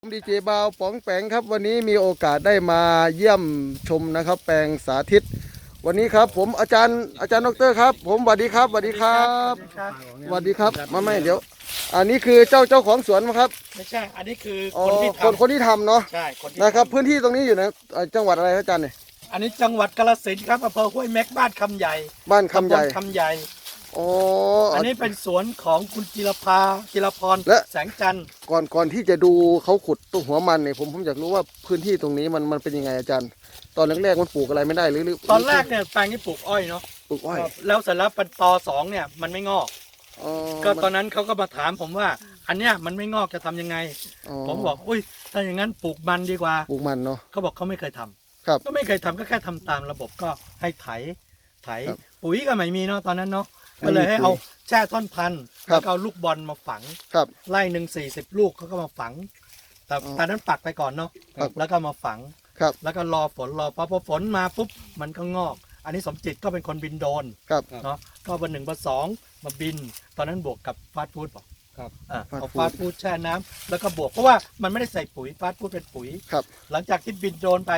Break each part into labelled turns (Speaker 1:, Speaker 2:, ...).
Speaker 1: ผมดีเจบาวป๋องแปงครับวันนี้มีโอกาสได้มาเยี่ยมชมนะครับแปลงสาธิตวันนี้ครับผมอาจารย์ดรครับผมสวัสดีครับสวัสดีครับสวัสดีครับไม่เดี๋ยวอันนี้คือเจ้าของสวนครับ
Speaker 2: ไม่ใช่อันนี้คือ
Speaker 1: คนที่ทำเนาะ
Speaker 2: ใช่คนที่
Speaker 1: นะครับพื้นที่ตรงนี้อยู่ในจังหวัดอะไรครับอาจารย์เนี่ย
Speaker 2: อันนี้จังหวัดกาฬสินธุ์ครับอำเภอห้วยแม็กบ้านคำใหญ่
Speaker 1: บ้านคำใหญ่อ๋อ
Speaker 2: อันนี้เป็นสวนของคุณจิรพรแสงจันทร์
Speaker 1: ก่อนที่จะดูเขาขุดตัวหัวมันเนี่ยผมอยากรู้ว่าพื้นที่ตรงนี้มันเป็นยังไงอาจารย์ตอนแรกๆมันปลูกอะไรไม่ได้หรือ
Speaker 2: ตอนแรกเนี่ยแปลงนี้ปลูกอ้อยเนาะ
Speaker 1: ปลูกอ้อย
Speaker 2: แล้วเสร็จแล้วเป็นต.2เนี่ยมันไม่งอกก็ตอนนั้นเขาก็มาถามผมว่าอันเนี้ยมันไม่งอกจะทำยังไงผมบอกอุ้ยถ้าอย่างนั้นปลูกมันดีกว่า
Speaker 1: ปลูกมันเนาะ
Speaker 2: เขาบอกเขาไม่เคยทำ
Speaker 1: ครับ
Speaker 2: ก็ไม่เคยทำก็แค่ทำตามระบบก็ให้ไถปุ๋ยก็ไม่มีเนาะตอนนั้นเนาะก็เลยให้เอาแช่ท่อนพันธุ์แล้วเอาลูกบอลมาฝังไล่1 40 ลูกเขาก็มาฝังแต่ตอนนั้นปักไปก่อนเนาะแล้วก็มาฝังแล้วก็รอฝนพอฝนมาปุ๊บมันก็งอกอันนี้สมจิตก็เป็นคนบินโดรนเนาะก็วัน1 วัน 2มาบินตอนนั้นบวกกับฟาสต์ฟู้ดบอกเอาฟาสต์ฟู้ดแช่น้ำแล้วก็บวกเพราะว่ามันไม่ได้ใส่ปุ๋ยฟาสต์ฟู้ดเป็นปุ๋ยหลังจากที่บินโดรนไป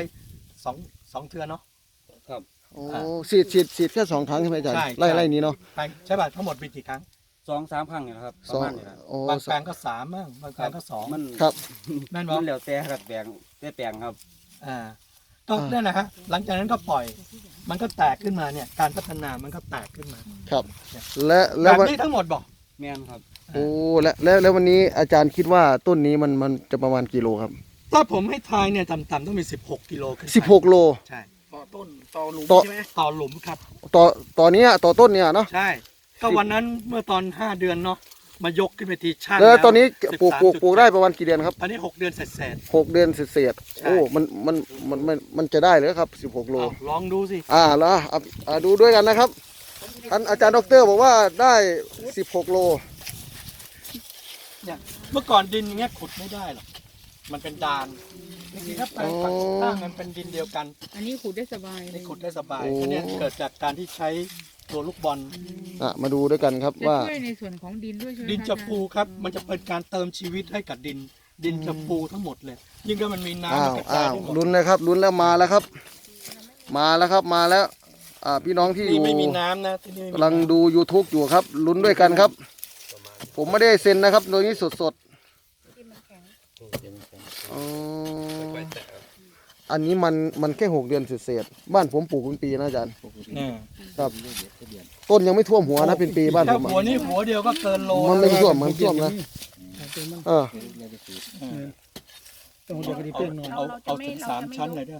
Speaker 2: 2 เทื่อเนาะ
Speaker 1: โอ้ฉีดแค่2 ครั้งใช่ไหมอาจารย์ไล่นี้เนาะ
Speaker 2: ใช่ป่ะทั้งหมดบินกี่ครั้ง
Speaker 3: 2-3 ครั้งเนี่ยครับประมาณนี้ครับ
Speaker 2: บางแปลงก็3บ้างบางแปลงก็2
Speaker 3: มัน
Speaker 1: ครับ
Speaker 2: แม่นบอก
Speaker 3: มันแล้วแต่ครับแปลงครับ
Speaker 2: ก็นั่นนะฮะหลังจากนั้นก็ปล่อยมันก็แตกขึ้นมาเนี่ยการพัฒนามันก็แตกขึ้นมา
Speaker 1: ครับแล้ว
Speaker 2: แบบนี้ทั้งหมดบอก
Speaker 3: แม่นครับ
Speaker 1: โอ้แล้ววันนี้อาจารย์คิดว่าต้นนี้มันจะประมาณกี่โลครับ
Speaker 2: ถ้าผมให้ทายเนี่ยต่ำๆต้องมี16 กิโลขึ้น
Speaker 1: 16 โล
Speaker 2: ใช่
Speaker 3: ต่อต้นต่อหลุมใช่ไหม
Speaker 2: ต่อหลุมครับ
Speaker 1: ต่อนี้ต่อต้นเนี่ยเนาะ
Speaker 2: ใช่ก็วันนั้นเมื่อตอน5 เดือนเนาะมายกขึ้นไปทีช่าง
Speaker 1: แล้วตอนนี้ปลูกได้ประมาณกี่เดือนครับ
Speaker 2: ตอนนี้6 เดือนเสร็จ
Speaker 1: 6 เดือนเศษโอ้มันจะได้เลยครับ16 โล
Speaker 2: ลองดูสิ
Speaker 1: แล้วดูด้วยกันนะครับท่านอาจารย์ดรบอกว่าได้16 โล
Speaker 2: เนี่ยเมื่อก่อนดินอย่างเงี้ยขุดไม่ได้หรอกมันเป็นดานจริงๆถ้าแปลงฝักถ้ามันเป็นดินเดียวกัน
Speaker 4: อันนี้ขุดได้สบาย
Speaker 2: นี่ขุดได้สบายอันนี้เกิดจากการที่ใช้ตัวลูกบอล
Speaker 1: มาดูด้วยกันครับว่า
Speaker 4: ช่วยในส่วนของดินด้วย
Speaker 2: ดินจะฟูครับมันจะเป็นการเติมชีวิตให้กับดินจะฟูทั้งหมดเลยยิ่งถ้ามันมีน้ำมันกระจาย
Speaker 1: ลุ้นเลยครับลุ้นแล้วมาแล้วครับมาแล้วพี่น้องที่อยู่
Speaker 2: ไม่มีน้ำนะที่นี่
Speaker 1: กำลังดู YouTube อยู่ครับลุ้นด้วยกันครับผมไม่ได้เซ็นนะครับโดยนี้สดอันนี้มันแค่6 เดือนเศษบ้านผมปลูกเป็นปีนะอาจารย์ครับต้นยังไม่ท่วมหัวนะเป็นปีบ้านผม
Speaker 2: หัวนี่หัวเดียวก็เกินโล
Speaker 1: มันไม่ท่วมนะ
Speaker 2: ต้องเดียวก็ดีเพื่อนเอาถึง3 ชั้นเลยด้วย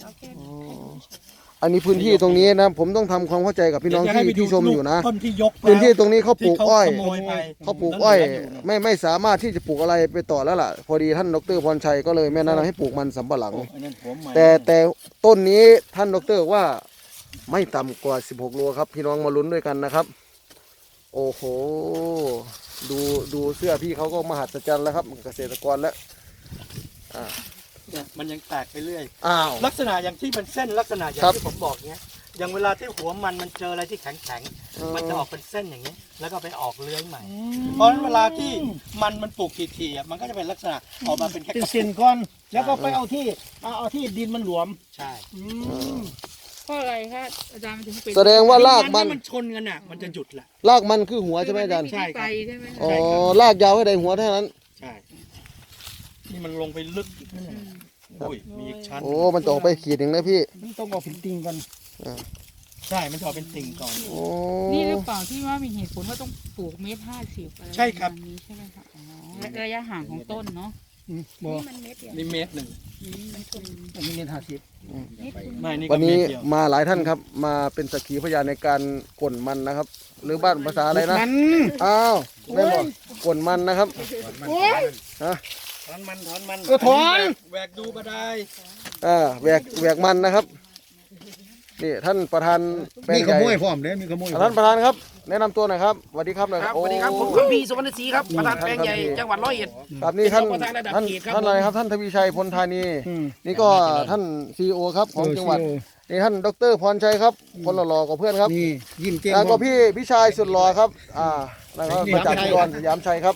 Speaker 1: อันนี้พื้นที่ตรงนี้นะผมต้องทำความเข้าใจกับพี่น้องที่ชมอยู่นะ
Speaker 2: พื้
Speaker 1: นที่ตรงนี้เขาปลูกอ้อยไม่สามารถที่จะปลูกอะไรไปต่อแล้วล่ะพอดีท่านดร.พรชัยก็เลยแนะนำให้ปลูกมันสำปะหลังแต่ต้นนี้ท่านดร.ว่าไม่ต่ำกว่า16 โลครับพี่น้องมาลุ้นด้วยกันนะครับโอ้โหดูเสื้อพี่เขาก็มหัศจรรย์แล้วครับเกษตรกรแล้ว
Speaker 2: เนี่ยมันยังแตกไปเรื่อยลักษณะอย่างที่เป็นเส้นลักษณะอย่างที่ผมบอกเนี้ยอย่างเวลาที่หัวมันเจออะไรที่แข็งมันจะออกเป็นเส้นอย่างนี้แล้วก็ไปออกเลื้อยใหม่เพราะฉะนั้นเวลาที่มันปลูกทีๆมันก็จะเป็นลักษณะออกมาเป็นแค่
Speaker 3: เส้นก้อนแล้วก็ไปเอาที่ดินมันหลวม
Speaker 2: ใช่
Speaker 4: เพราะอะไรคะอาจารย์ถึงเป็น
Speaker 1: แสดงว่าราก
Speaker 2: มันชนกันอ่ะมันจะหยุดแหละ
Speaker 1: รากมันคือหัวใช่ไหมอาจารย์
Speaker 2: ใช่ครับ
Speaker 1: รากยาวให้ได้หัวเท่านั้น
Speaker 2: ใช่นี่มันลงไปลึกโอ้ยมีอีกชั้น
Speaker 1: มันจะออกไปขีดหนึ่งนะพี่
Speaker 3: ต้องเอาเป็นติ่งก่อน
Speaker 2: ใช่มันจะออกเป็นติ่งก่อน
Speaker 4: นี่หรือเปล่าที่ว่ามีเหตุผลว่าต้องปลูก1.50 อะไร
Speaker 2: ใช่ครับ
Speaker 4: นี้ใช่ไหมคะระยะห่างของต้นเนาะ
Speaker 2: นี่เมตร 1
Speaker 3: นี่เมตร50
Speaker 1: วันนี้มาหลายท่านครับมาเป็นสักขีพยานในการกลมันนะครับหรือบ้านภาษาอะไรนะไม่บอกกลมันนะครับ
Speaker 2: ถอนมัน
Speaker 3: ถอน
Speaker 2: แหวกดูก็ได้
Speaker 1: แหวกมันนะครับนี่ท่านประธาน
Speaker 3: มีขโมยพร้อมเลยมีขโมย
Speaker 1: ท่านประธานครับแนะนำตัวหน่อยครับสวัสดีครับหน่อย
Speaker 5: ครับสวัสดีครับผมคัมภีร์สุวรรณศรีครับประธานแปลงใหญ่จังหวัด100 เอ็ด
Speaker 1: ครับนี่ท่านอะไรครับท่านทวีชัยพลธานีนี่ก็ท่านCEOครับของจังหวัดนี่ท่านดร.พรชัยครับคนหล่อๆกับเพื่อนครับ
Speaker 3: นี่ยิ้มเก่ง
Speaker 1: แล้วก็พี่ชายสุดหล่อครับนะครับมาจากอุดรสยามชัยครับ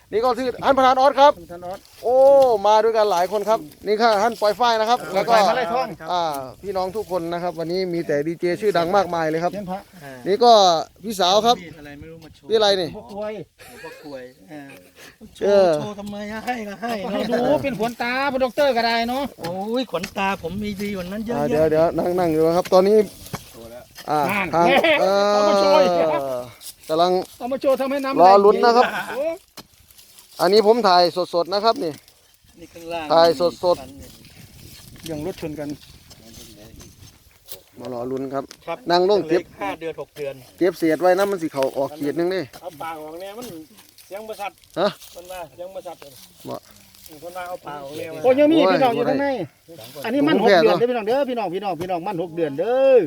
Speaker 1: นี่ก็คือท่านประธานออสครับ
Speaker 3: ท่านออส
Speaker 1: โอ้มาด้วยกันหลายคนครับนี่ค่ะท่านปอยฝ้ายนะครับแล้วก็
Speaker 3: มาไล่ท่อง
Speaker 1: พี่น้องทุกคนนะครับ วันนี้มีแต่ดีเจชื่อดังมากมายเลยครับ
Speaker 3: เทียนพระ
Speaker 1: นี่ก็พี่สาวครับ
Speaker 2: มีดอะไรไม่รู้มาโชว์
Speaker 1: พี่อะไรนี่
Speaker 3: พวกกล้วย
Speaker 2: หลวงพ่อกลวยโช
Speaker 1: เออ
Speaker 2: ว์โชว์ทำไมให้ก็ให้
Speaker 3: ให้
Speaker 2: เนาะ
Speaker 3: ดูเป็นขนตาพระด็อกเตอร์ก็ได้เนาะ
Speaker 2: โอ้ยขนตาผมมีดีกว่านั้นเยอะ
Speaker 1: เดี๋ยว
Speaker 2: แยะ
Speaker 1: เดี๋ยวนั่งอยู่นะครับ ตอนนี้ทางกำลัง
Speaker 3: เอามาโชว์ทำให้น้ำ
Speaker 1: รอลุ้นนะครับ
Speaker 3: โอ้
Speaker 1: อันนี้ผมถ่ายสดๆนะครับนี่
Speaker 2: นี่ข้างล่าง
Speaker 1: ถ่ายสด
Speaker 3: ยังรถชนกัน
Speaker 1: มารอลุ้นครับ
Speaker 2: ครับ
Speaker 1: นั่งลงเก็บ
Speaker 2: 5 เดือน 6 เดือน
Speaker 1: เก็บเศษไว้นะมันสิเขาออกขีดนึงนี่
Speaker 3: เอาปากออกเนี่ยมันเสียงประสัด
Speaker 1: ฮะ
Speaker 3: คนว่าเสียงประสัด
Speaker 1: บ่
Speaker 3: คนว่าเอาปากออกเนี่ยโอ้ยังมีพี่น้องอยู่ข้างในอันนี้มัน
Speaker 1: ผม
Speaker 3: 6
Speaker 1: แค่
Speaker 3: เดือน
Speaker 1: ตัว
Speaker 3: เด้อพี่น้องเด้อพี่น้องมัน6 เดือนเด้อ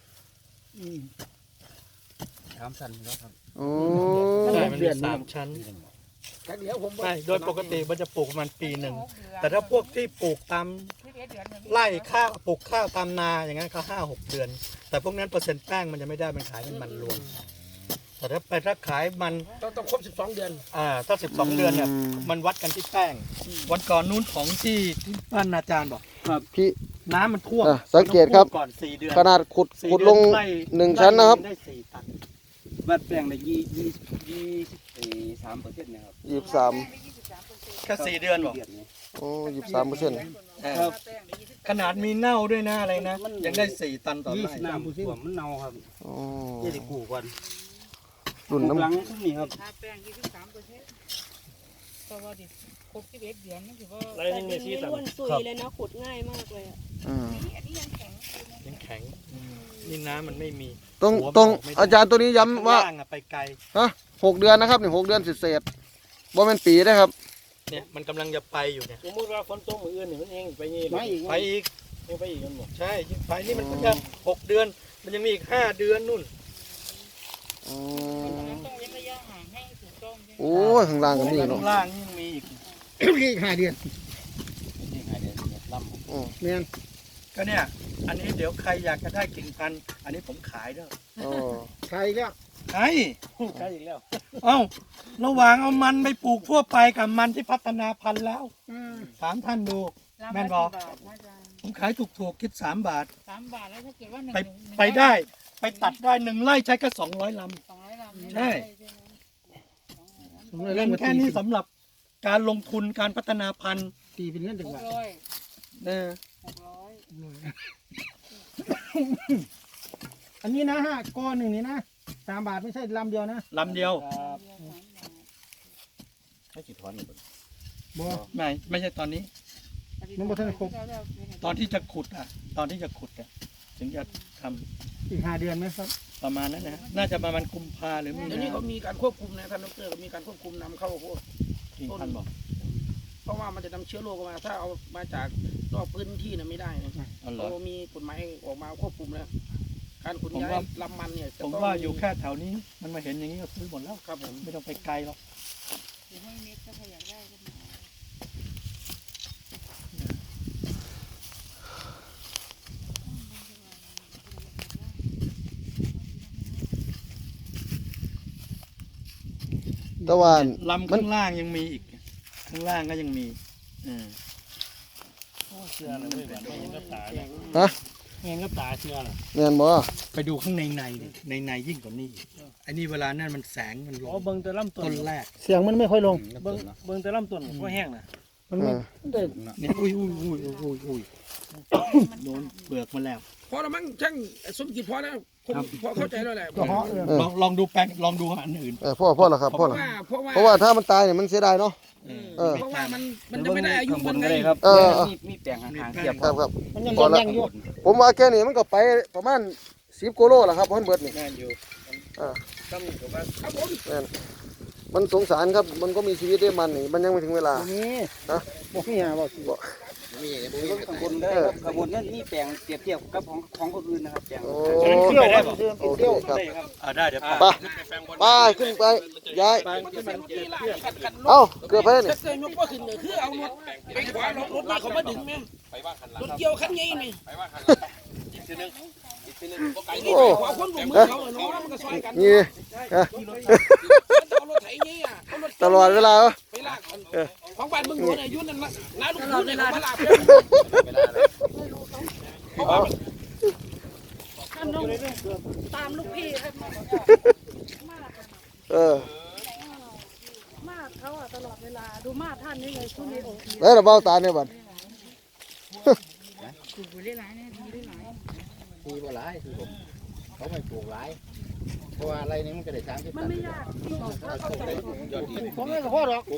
Speaker 1: โอ้
Speaker 2: ใช่มันมี3 ชั้นใช่โดยปกติมันจะปลูกประมาณปีหนึ่ง แต่ถ้าพวกที่ปลูกตามไร่ข้าวปลูกข้าวตามนาอย่างนั้นก็5-6 เดือน แต่พวกนั้นเปอร์เซ็นต์แป้งมันจะไม่ได้มันขายเป็นมันรวม แต่ถ้าขายมัน
Speaker 5: ต้องครบ12 เดือน
Speaker 2: ถ้า12 เดือนเนี่ยมันวัดกันที่แป้ง วันก่อนนู้นของที่บ้านอาจารย์บอก
Speaker 1: พี่
Speaker 2: น้ำมันท่วม
Speaker 1: สังเกตครับ
Speaker 2: ก่อน4 เดือน
Speaker 1: ขนาดขุด
Speaker 2: 4
Speaker 1: ขุดลง
Speaker 2: เดือนไร่
Speaker 1: 1 ชั้นนะครับ
Speaker 2: ได้4 ตัน
Speaker 5: บัดแปลงได้23%นะครับ
Speaker 1: 23
Speaker 2: แค่4 เดือนบอก
Speaker 1: โอ้23%
Speaker 2: ขนาดมีเน่าด้วยนะอะไรนะ ยังได้ 4 ตันต่อไร่
Speaker 5: น้ำท่วมมันเน่าครับ
Speaker 1: โอ้
Speaker 5: จะได้กู้ก่อน
Speaker 1: รุ่น
Speaker 5: หลัง
Speaker 1: น้ำ
Speaker 5: นี่ครับ
Speaker 4: ค่าแป้ง23%เพราะว่าดิครบ11 เดือนนั่นถือว่า
Speaker 3: อะไรนึงเนี่ยชี้ตัน
Speaker 6: ล้วนซุยเลยนะขุดง่ายมากเลยอะ
Speaker 1: อ่า
Speaker 4: อันนี้ยังแข็ง
Speaker 2: ยังแข็งนี่น้ำมันไม่มี
Speaker 1: ตรง
Speaker 2: หัวมัน
Speaker 1: ตรง
Speaker 2: ไม่ได้
Speaker 1: อาจารย์ตัวนี้ย้ำว่า
Speaker 2: ข้งล่างอะไปไกล
Speaker 1: 6 เดือนนะครับนี่6 เดือนเศษๆบ่แม่นปีได้ครับ
Speaker 2: เนี่ยมันกำลังจะไปอยู่เนี่ย
Speaker 3: สมมติว่าฝนตกมืออื่นนี่มันเองไปนี่
Speaker 5: ไม่อีก
Speaker 2: ไปอีก
Speaker 3: ไปอีกกันหมด
Speaker 2: ใช่ยิ่งไปนี่มันก็จะ6 เดือน มันยังมีอีก5 เดือนนู่น
Speaker 1: อ๋อ
Speaker 4: ต้องเว้นระยะห่างให้ถูกต้องใช่ไหม
Speaker 1: โอ้ยข้างล่างก็มีเนาะ
Speaker 2: ข้างล่างนี่ยังมีอีก
Speaker 3: อีก5 เดือนแม่น
Speaker 2: ก็เนี่ย อันนี้เดี๋ยวใครอยากจะได้กิ่งพันธุ์อันนี้ผมขายเด้อ
Speaker 1: อ๋อ
Speaker 3: ใครอีกแล้ว
Speaker 2: ขาย
Speaker 3: ใครอีกแล้ว
Speaker 2: เอ้าระหว่างเอามันไปปลูกทั่วไปกับมันที่พัฒนาพันธุ์แล้ว ถามท่านดู แม่นบอก
Speaker 4: 3 บาทนะจ๊ะ
Speaker 2: ผมขายถูกๆคิด3 บาท
Speaker 4: 3 บาทแล้วถ้าเกิดว่าหนึ่ง
Speaker 2: ไป
Speaker 4: หนึ่ง
Speaker 2: ไปได้ ไปตัดได้1 ไร่ใช้แค่200 ลำ
Speaker 4: 200 ลำ
Speaker 2: ใช่
Speaker 3: ผมเลย
Speaker 2: เงิ
Speaker 3: เริ่
Speaker 2: น
Speaker 3: มมา
Speaker 2: แค่นี้สำหรับการลงทุนการพัฒนาพันธุ์
Speaker 3: ตีเป็นเงินจังหวัด
Speaker 4: 600
Speaker 2: เออ
Speaker 3: อันนี้นะก้อนหนึ่งนี่นะ3 บาทไม่ใช่ลำเดียวนะ
Speaker 2: ลำเดียว
Speaker 3: บ่
Speaker 2: ไม่ใช่ตอนนี้
Speaker 3: มันบ่ทันครบ
Speaker 2: ตอนที่จะขุดอ่ะ ตอนที่จะขุดอ่ะถึงจะทำ
Speaker 3: อีก5 เดือนไหมครับ
Speaker 2: ประมาณนั้นนะน่าจะประมาณกุมภาหรือมี
Speaker 5: เดี๋ยวนี้
Speaker 2: นา
Speaker 5: เขามีการควบคุมนะท่านดรก็มีการควบคุมนำเข้าพวก
Speaker 2: กิ่งพันธุ์บอก
Speaker 5: เพราะว่ามันจะนำเชื้อโรคมาถ้าเอามาจากนอกพื้นที่น่ะไม่ได้นะ
Speaker 2: อ๋อเหรอ
Speaker 5: เขามีกฎหมายออกมาควบคุมแล้วการขนย้ายลำมันเนี่ยจะ
Speaker 2: ผม
Speaker 5: ต้อง
Speaker 2: ว่าอยู่แค่แถวนี้มันมาเห็นอย่างนี้ก็ซื้อหมดแล้ว
Speaker 5: ครับผม
Speaker 2: ไม่ต้องไปไกลหรอก
Speaker 4: เดี๋ยวให้เม็ดถ้าใครอยากได้ก็มา
Speaker 1: แตะวัน
Speaker 2: ลำข้างล่างยังมีอีก ข้างล่างก็ยังมีอืม
Speaker 3: เชื่อเลยไม่เห็นกับตา
Speaker 1: ฮะ
Speaker 3: เห็นกับตาเชื่อเลย
Speaker 1: แม่นบ่
Speaker 2: ไปดูข้างในดิในยิ่งกว่านี้อีกไอ้นี่เวลานั่นมันแสงมันล
Speaker 3: อ๋อง เบิ่งแต่ลำต้
Speaker 2: ต้
Speaker 3: น
Speaker 2: นแรก
Speaker 3: เสียงมันไม่ค่อยลงเบิ่งแต่ลำต้นก็แห้งนะมันไม่ได้
Speaker 2: เนี่ยอุ้ยโดนเปลือกมาแล้ว
Speaker 5: พอแล้วมั้งช่างสมจิตพอแล้วคนพอเข้าใจแล้วแหละ
Speaker 3: ก็เหาะเลย
Speaker 2: ลองดูแปลงลองดูอันอื่น
Speaker 1: พ่อละครับพ่อละ
Speaker 5: เพราะว่า
Speaker 1: เพราะว่าถ้ามันตายเนี่ยมันเสียดายเนาะ
Speaker 5: เพราะว่ามันจะไม่ได้อายุมันไง
Speaker 7: มีแปลงห่างๆเทียบ
Speaker 1: ครับ
Speaker 3: มันยังแรงอยู่
Speaker 1: ผมว่าแค่นี้มันก็ไปประมาณ10 กิโลแหละครับเพิ่นเบิดนี่
Speaker 2: แน่นอยู่
Speaker 5: ครับผม
Speaker 1: มันสงสารครับมันก็มีชีวิตได้มันนี่มันยังไม่ถึงเวลา
Speaker 3: นี่บอกนี่ฮะบอกสิ
Speaker 7: ข้างบนได้ครับข้างบนนั้นมีแปลงเปรียบเทียบกับของคนอื่นนะครับแปลง
Speaker 1: โอ้
Speaker 3: เที่ยวได้บ่
Speaker 1: โอเค
Speaker 3: เที่ยว
Speaker 1: ครับ
Speaker 2: ได้เดี๋ยว
Speaker 1: ไปขึ้นไปย้ายเอ้าเกือบไปแล้วนี่
Speaker 5: ถ้าเกิดยกว่าขึ้นเนี่ยคือเอารถไปขวารถนี่เขามาดึงแม่รถเกี่ยวคันใหญ่นี่
Speaker 1: โอ้
Speaker 5: ขวาคนบุกมือเขาเนาะมันก็ซอยกัน
Speaker 1: นี่ฮะ
Speaker 5: เอารถไถใหญ่อะเอารถ
Speaker 1: ตลอดเวลาเหรอ
Speaker 5: ไปของบ้านมึงหลวงอายุนั่นละน้าลูกคุณเนี่ยมาลาบ
Speaker 4: ท่านต้องตามลูกพี่ให้มาก
Speaker 1: เออ
Speaker 4: มากเขาอะตลอดเวลาดูมากท่านนี่เลยช่วงนี้โอเค
Speaker 1: แล้วเราเบ้าตาเนี่ยบัด
Speaker 4: ปลูกไปเรื่อยๆเนี่ยดีหลาย
Speaker 3: ดีกว่าหลายที่ผมเขาไม่ปลูกหลายเพราะว่าอะไรนี้มันจะได้ช้างที่
Speaker 4: มันไม่ยากที่เขาเข้าใจ
Speaker 3: ผมไม่ขอหรอก